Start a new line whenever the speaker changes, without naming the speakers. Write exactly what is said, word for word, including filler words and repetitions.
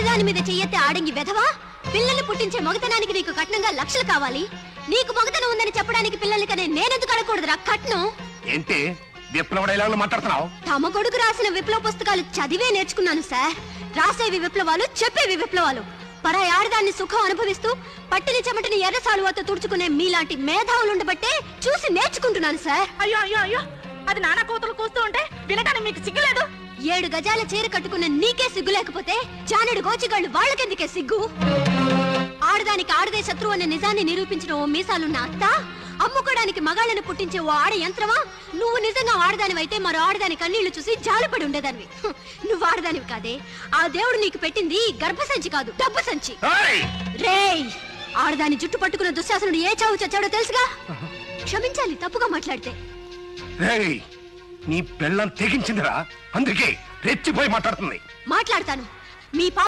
ఆడదాని మీద చెయ్యెత్తే ఆడంగి వెధవా, పిల్లల్ని పుట్టించే మగతనానికి నీకు కట్నంగా లక్షలు కావాలి. నీకు మగతనం ఉందని చెప్పడానికి పిల్లల్ని కనే నేనెందుకు అడగకూడదురా కట్నం?
ఏంటి విప్లవ డైలాగులు మాట్లాడుతున్నావు?
తమ కొడుకు రాసిన విప్లవ పుస్తకాలు చదివే నేర్చుకున్నాను సార్. రాసేవి విప్లవాలు, చెప్పేవి విప్లవాలు. పరాయి ఆడదాన్ని సుఖం అనుభవిస్తూ పట్టిని చెమటని ఎర్ర సాలువాతో తుడుచుకునే మీలాంటి మేధావులు ఉండబట్టే చూసి నేర్చుకుంటున్నాను సార్.
అయ్యో అయ్యో అయ్యో, అది నాన్న కూతురు కూస్తూ ఉంటే వినటానికి మీకు సిగ్గులేదు?
ఏడు గజాల చీర కట్టుకున్న నీకే సిగ్గు లేకపోతే జానెడు గోచిగాళ్ళు వాళ్ళకెందుకే సిగ్గు? ఆడదానికి ఆడదే శత్రువు అనే నిజాన్ని నిరూపించిన ఓ మీసాలున్న అత్త, అమ్ముకోడానికి మగాళ్ళని పుట్టించే ఓ ఆడ యంత్రమా? నువ్వు నిజంగా ఆడదానివైతే మరో ఆడదాని కన్నీళ్లు చూసి జాలిపడి ఉండేదానివి. నువ్వు ఆడదానివి కాదే, ఆ దేవుడు నీకు పెట్టింది గర్భసంచి కాదు, డబ్బు సంచి. రేయ్, ఆడదాని జుట్టు పట్టుకున్న దుశ్శాసనుడు ఏ చావు చచ్చాడో తెలుసుగా. క్షమించాలి తప్పుగా మాట్లాడితే.
నీ పెళ్ళం తెగించిందిరా, అందుకే రెచ్చిపోయి మాట్లాడుతుంది.
మాట్లాడతాను. మీ